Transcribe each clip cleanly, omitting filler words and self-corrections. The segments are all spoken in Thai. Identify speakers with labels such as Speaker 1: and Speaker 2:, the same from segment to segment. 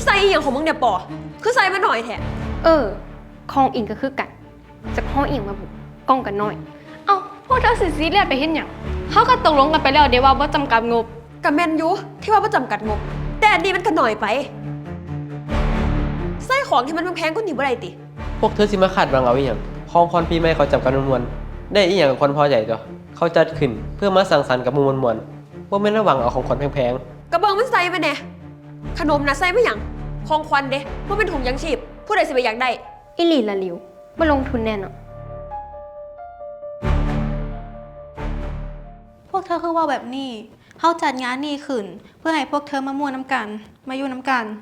Speaker 1: ใส่อีหยังของมึงเนี่ยปอคือใส่มาหน่อยแท้
Speaker 2: คองอิงก็คือกันจากห้องอิงมาบุกกล้องกันน้อย
Speaker 3: เอาพวกเธอสิซีเรียสไปเห็นหยังเขาก็ตกลงกันไปแล้วเดี๋ยวว่าบ่จำกัดงบ
Speaker 1: กับแมนยูที่ว่าประจำกัดงบแต่อันนี้มันก็หน่อยไปใส่ของที่มันแพงๆก็หนีบ่ได้ติ
Speaker 4: พวกเธอสิมาคาดหวังเอาอีหยังของคอนปีใหม่เขาจำกันมวลๆได้อีหยังกับคนพอใจตัวเขาจัดขึ้นเพื่อมาสังสรรค์กับหมู่มวลๆว่าแม่นระวังเอาของคนแพง
Speaker 1: กระเบิงมันใส่มาแน่ขนมนะใส่มาหยังของควันเด้ว่าเป็นถุงยังชีพผู้ใดสิไปอยากได้
Speaker 2: อิลีละลิวมาลงทุนแน่นอน
Speaker 5: พวกเธอคือว่าแบบนี้เขาจัดงานนี้ขึ้นเพื่อให้พวกเธอมาม่วนน้ำกันมาอยู่น้ำกัน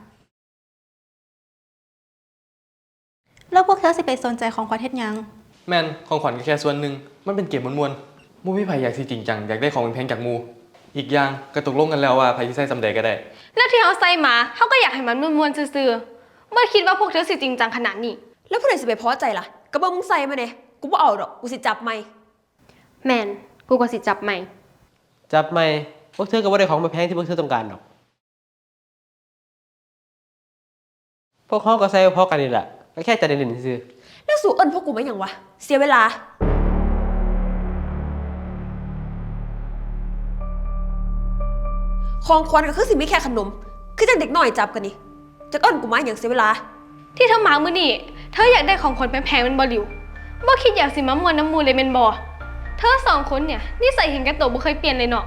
Speaker 5: แล้วพวกเธอสิไปสนใจของขวัญเฮ็ดหยัง
Speaker 6: แม่นของขวัญก็แค่ส่วนหนึ่งมันเป็นเกมมวนๆมู่พี่ไผ่อยากสิจริงจังอยากได้ของแพงจากมูอีกอย่างก็ตกลงกันแล้วว่าไผ่ที่ใส่สำเร็จก็ได้
Speaker 3: แล้วที่เขาใส่มาเขาก็อยากให้มันม่วนๆซื่อๆไม่คิดว่าพวกเธอสิจริงจังขนาดนี้
Speaker 1: แล้วผู้ใดสิไปพอใจล่ะกระเบิงมึงใส่มาแน่กูบ่เอาดอกกูสิจับไม่
Speaker 2: แมนกูก็สิจับใหม่
Speaker 4: พวกเธอก็บ่ได้ของแพงที่พวกเธอต้องการหรอกพวกเขาก็ใส่พอกันนี่แหละก็แค่จะได้เล่นซื่อ
Speaker 1: แล้วสู่เอิ้นพวกกูมาหยังวะเสียเวลาของควันก็คือสิมีแค่ขนมคือจังเด็กน้อยจับกันนี่จักเอิ้นกูมาหยังเสียเวลา
Speaker 3: ที่เธอมามื้อนี้เธออยากได้ของขวัญแพงๆเป็นบ่หลิวบ่คิดอยากสิมามวนน้ำมูเลยเป็นบ่เธอสองคนเนี่ยนิสัยเห็นแก่ตัวบ่เคยเปลี่ยนเลยเนาะ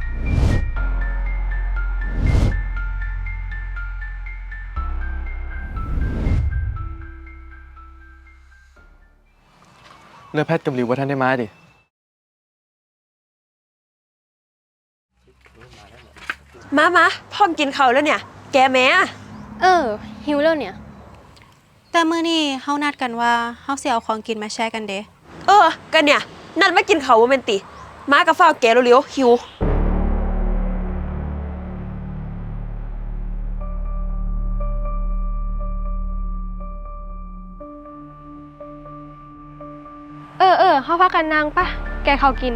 Speaker 6: เลือแพทย์กับหลิวว่าท่านได้มาดิ
Speaker 1: มาพร้อมกินข้าวแล้วเนี่ยแกแม่
Speaker 2: หิวแล้วเนี่ย
Speaker 5: แต่มื้อนี้เฮานัดกันว่าเฮาสิเอาของกินมาแชร์กันเด้
Speaker 1: กันเนี่ยนัดมากินข้าวบ่แม่นติมากับฟ้าวแกเร็วๆหิว
Speaker 3: เขาพากันนางปะแกเขากิน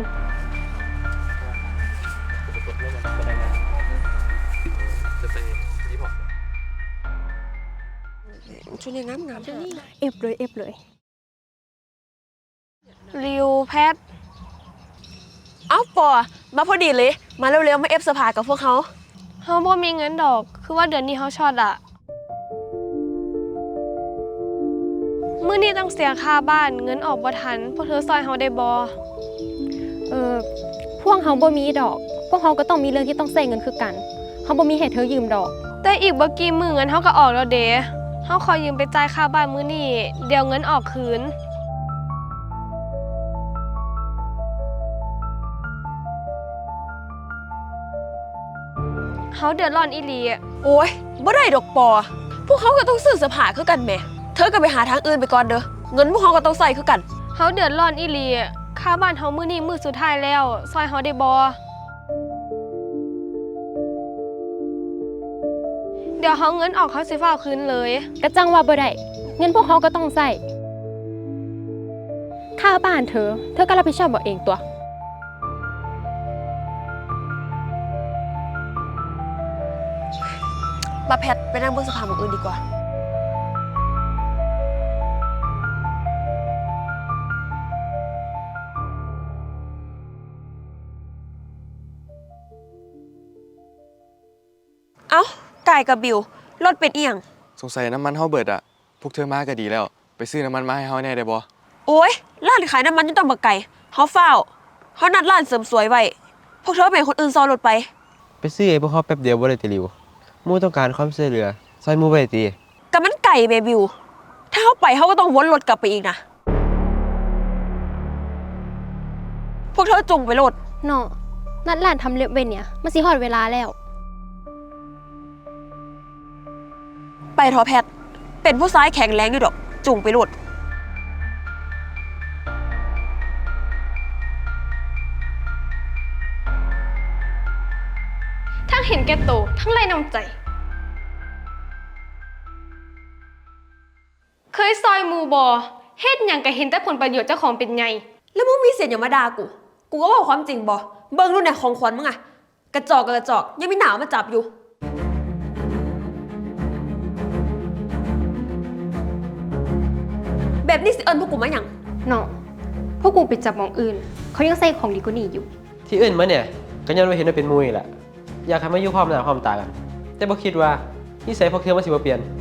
Speaker 1: ชุดนี้งามชุดนี้
Speaker 2: เอฟเลย
Speaker 3: ริวแพท
Speaker 1: เอ้าปอมาพอดีเลยมาเร็วๆมาเอฟเสื้อผ้ากับพวกเขา
Speaker 3: บ่มีเงินดอกคือว่าเดือนนี้เขาช็อตอะมื้อนี้ต้องเสียค่าบ้านเงินออกบ่ทันพวกเธอซอยเฮาได้บ่
Speaker 2: พวกเขาบ่มีดอกพวกเขาก็ต้องมีเรื่องที่ต้องใช้เงินคือกันเขาบ่มีให้เธอยืมดอก
Speaker 3: แต่อีกบ่กี่มื้อเงินเฮาก็ออกแล้วเด้เฮาขอยืมไปจ่ายค่าบ้านมื้อนี้เดี๋ยวเงินออกคืนเฮาเดือดร้อนอีหลี
Speaker 1: โอ้ยบ่ได้ดอกปอพวกเขาก็ต้องซื้อเสื้อผ้าคือกันแหมเธอก็ไปหาทางอื่นไปก่อนเด้อเงินพวกเขาก็ต้องใส่คือกัน
Speaker 3: เฮาเดือดร้อนอีหลีค่าบ้านเฮามื้อนี้มื้อสุดท้ายแล้วซอยเฮาได้บ่เดี๋ยวเฮาเงินออกเขาสิฟ้าคืนเลย
Speaker 2: กระจังว่าบ่ได้เงินพวกเขาก็ต้องใช้ค่าบ้านเธอก็รับผิดชอบบ่เองตัว
Speaker 1: มาแพทไปนั่งบนสภาหมองอื่นดีกว่าเอ้าไก่กับบิวรถเป็นเอียง
Speaker 6: สงสัยน้ำมันเฮาเบิดอ่ะพวกเธอมาก็ดีแล้วไปซื้อน้ำมันมาให้เฮาแน่ได้บ่
Speaker 1: โอ้ยร้านขายน้ำมันยังต้องบักไก่เฮาเฝ้าเฮานัดร้านเสริมสวยไว้พวกเธอเป็นคนอื่นซ้อนรถไป
Speaker 4: ซื้อไอ้พวกเขาแป๊บเดียวบ่ได้ติหลิวมู่ต้องการความช่วยเหลือซอยมู่บ่ได้ติ
Speaker 1: ก็มันไก่เบบิวถ้าเฮาไปเฮาก็ต้องวนรถกลับไปอีกนะพวกเธอจงไปรถ
Speaker 2: เนาะนัดร้านทำเล็บเว้นเนี่ยมันสิฮอดเวลาแล้ว
Speaker 1: ไปทอแพทเป็นผู้ซ้ายแข็งแรงอยู่ดอกจุงไปรถ
Speaker 3: ทั้งเห็นแก่ตัวทั้งไร้น้ำใจเคยซอยหมู่บ่เฮ็ดหยังก็เห็นแต่ผลประโยชน์เจ้าของเป็นไง
Speaker 1: แล้วมึงมีเสียงอย่ามาด่ากูก็บอกความจริงบ่เบิ่งรุ่นไหนของขวัญมึงอะกระจอกยังมีหนาวมาจับอยู่แบบนี้สิเอิญพวกกูมาหยัง
Speaker 2: น้องพวกกูไปจับหมองอื่น เขายังใส่ของดีกว่านี้อยู่
Speaker 4: ที่อื่นมาเนี่ยก็ย้อนว่าเห็นว่าเป็นหมู่นี่แหละอยากให้มาอยู่พร้อมหน้าพร้อมตากัน แต่บ่คิดว่านิสัยพวกเธอมันสิบ่เปลี่ยน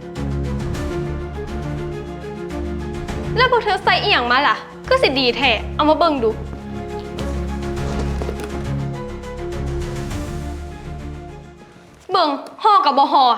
Speaker 3: แล้วพวกเธอใส่อีหยังมาล่ะก็สิดีแท้เอามาเบิ่งดู เบิ่งห่อกับบ่ห่อ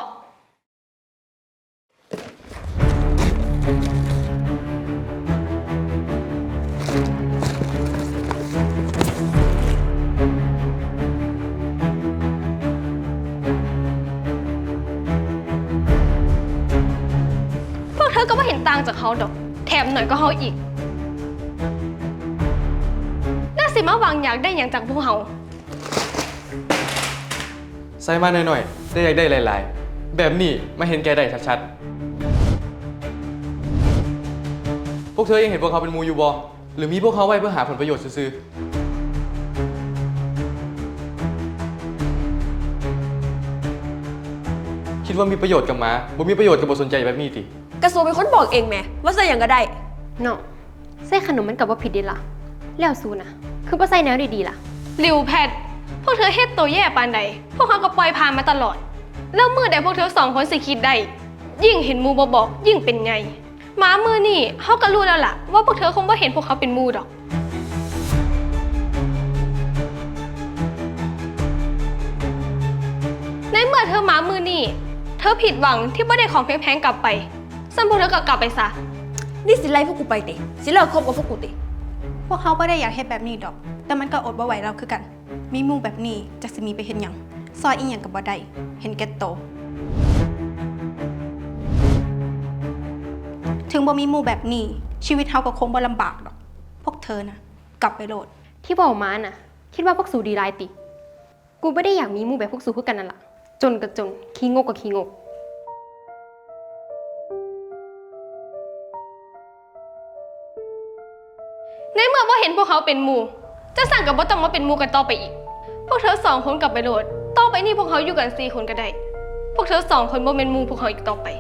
Speaker 3: พวกเธอก็ไม่เห็นต่างจากเขาดอก แถมหน่อยก็เขาอีก น่าสิมาหวังอยากได้อย่างจากพวกเขา
Speaker 6: ใส่มาหน่อยๆได้อยากได้หลายๆ แบบนี้มาเห็นแกได้ชัดๆ พวกเธอยังเห็นพวกเขาเป็นหมูอยู่บ่หรือมีพวกเขาไว้เพื่อหาผลประโยชน์ซื่อๆคิดว่ามีประโยชน์กับหมาบ่มีประโยชน์กับบ่สนใจแบบนี้ติ
Speaker 1: กระทรวงเป็นคนบอกเองแหมว่าใส่หยังก็ได้
Speaker 2: น้องใส่ขนมมันกับว่าผิดเดีล่ะ แล้วซูนะคือว่าใส่แนวดีๆล่ะ
Speaker 3: ริวแพทย์พวกเธอเฮ็ดตัวแย่ปานใด พวกเขาก็ปล่อยผ่านมาตลอด แล้วมือใดพวกเธอสองคนสิคิดได้ ยิ่งเห็นหมูบ่บอกยิ่งเป็นไงหมามือนี่เขาก็รู้แล้วล่ะ ว่าพวกเธอคงบ่เห็นพวกเขาเป็นหมูดอก ในเมื่อเธอหมามือนี่เธอผิดหวังที่บ่ได้ของแพงๆกลับไปซึ่งพวกเธอก็กลับไปซะ
Speaker 1: นี่สิไล่พวกกูไปติสิเลิกคบกับพวกกูติ
Speaker 5: พวกเขาไม่ได้อยากเฮ็ดแบบนี้ดอก แต่มันก็อดบ่ไหวเราคือกัน มีหมู่แบบนี้จักสิมีไปเห็นหยังซอยอีหยังกับบ่ได้เห็นแก่โตวถึงบ่มีหมู่แบบนี้ชีวิตเฮาก็คงบ่ลำบากดอก พวกเธอนะกลับไปโลด
Speaker 2: ที่บอกมาน่ะ คิดว่าพวกสูดีรายติ กูไม่ได้อยากมีหมู่แบบพวกสูคือกันนั่นล่ะ จนกับจนขี้งกกับขี้งก
Speaker 3: ในเมื่อว่าเห็นพวกเขาเป็นหมู่จะสั่งกับว่าต้องมาเป็นหมู่กันต่อไปอีก พวกเธอสองคนกลับไปโหลด ต่อไปนี่พวกเขาอยู่กัน4 คนก็ได้ พวกเธอสองคนบ่เป็นหมู่พวกเขาอีกต่อไป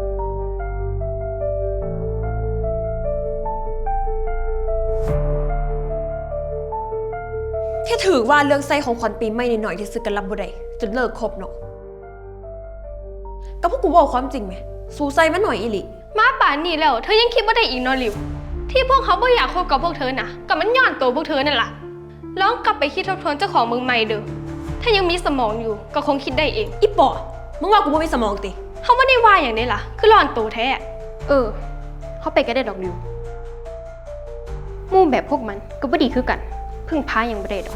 Speaker 1: แค่ถือว่าเรื่องใส่ของขวัญปีใหม่นิดหน่อยที่ซื้อกันรับบ่ได้จนเลิกคบเนาะก็พวกกูบอกความจริงไหมสู้ใส่มาหน่อยอีหลิ
Speaker 3: มาป่านนี้แล้วเธอยังคิดว่าได้อีกเนอริวที่พวกเขาไม่อยากคบกับพวกเธอนะก็มันย้อนตัวพวกเธอนั่นแหละลองกลับไปคิดทบทวนเจ้าของมึงใหม่เด้อถ้ายังมีสมองอยู่ก็คงคิดได้เอง
Speaker 1: อีปอมึงว่ากูบ่มีสมองติ
Speaker 3: เขาไม่ได้ว่าอย่างนี้ล่ะ คือหลอนตัวแท้
Speaker 2: เขาไปก็ได้ดอกดิวหมู่แบบพวกมันก็บ่ดีคือกัน พึ่งพายังบ่ได้ดอก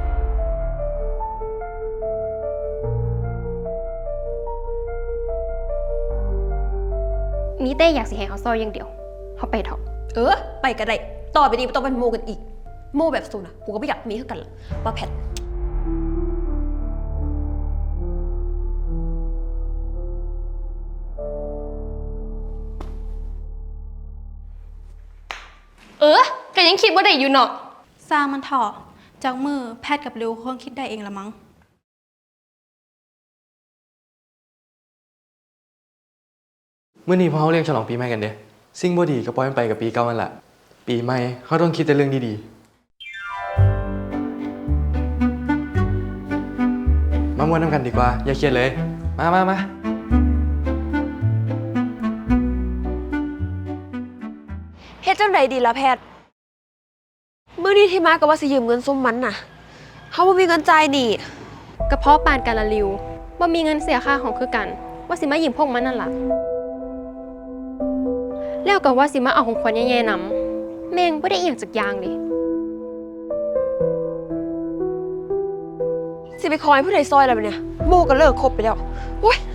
Speaker 2: มีแต่อยากสิให้เขาซอยอย่างเดียว เขาไปเถอะ
Speaker 1: ไปก็ได้ต่อไปนี้ไม่ต้องเป็นโมกันอีกโมแบบสูนะกูก็ไม่อยากมีเท่ากันละป้าแพท
Speaker 3: ก็ยังคิดว่าได้อยู่เนาะ
Speaker 5: สร้างมันเถอะจากมือแพทย์กับริวคงคิดได้เองละมั้ง
Speaker 6: เมื่อนี้พวกเขาเรียกฉลองปีใหม่กันเด้สิ่งบ่ดีก็ปล่อยมันไปกับปีเก่ามันละปีใหม่เขาต้องคิดแต่เรื่องดีๆ มาม่วนน้ำกันดีกว่า อย่าเครียดเลย มา
Speaker 1: เฮ็ดจังใดดีล่ะแพทย์มื้อนี้ที่มาก็ว่าสิยืมเงินซุมมันน่ะเขาบ่มีเงินจ่ายนี่
Speaker 2: กระเพาะปานกันละริวว่ามีเงินเสียค่าของคือกัน ว่าสิมายืมพวกมันนั่นล่ะ แล้วก็ว่าสิมาเอาของขวัญแย่ๆนำแม่งบ่ได้อีหยังจักอย่างเลย
Speaker 1: สิไปคอยผู้ใดซอยแล้วบัดเนี่ยโมก็เลิกคบไปแล้วโอ๊ย